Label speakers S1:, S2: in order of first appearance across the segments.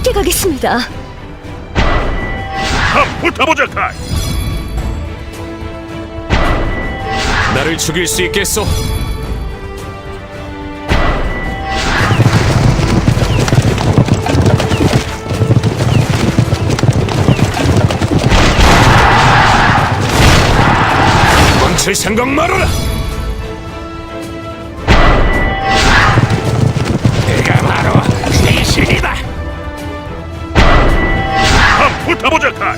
S1: 함께 가겠습니다.
S2: 붙어보자, 카이.
S3: 나를 죽일 수 있겠소? 멈출 생각 말아라! 내가 바로 귀신이다!
S2: 붙어보자, 카이.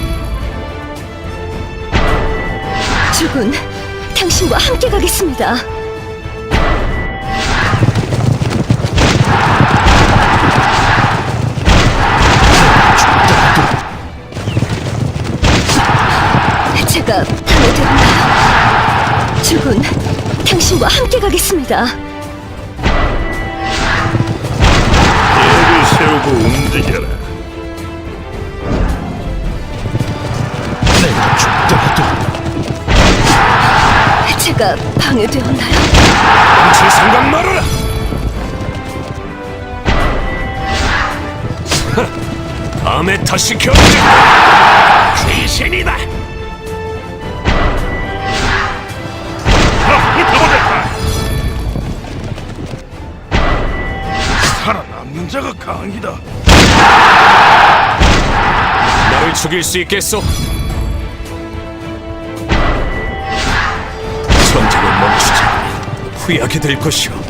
S1: 죽은 당신과 함께 가겠습니다. 제가 방해되었나요? 죽은 당신과 함께 가겠습니다.
S2: 계획을 세우고 움직여라. 내가 죽더라도
S1: 제가 방해되었나요?
S3: 멈출 생각 말아라! 다음에 다시 견제! 귀신이다!
S2: 붙어보자, 카이. 살아남는 자가 강이다.
S3: 나를 죽일 수 있겠소? 전쟁을 멈추지 않으면 후회하게 될 것이오.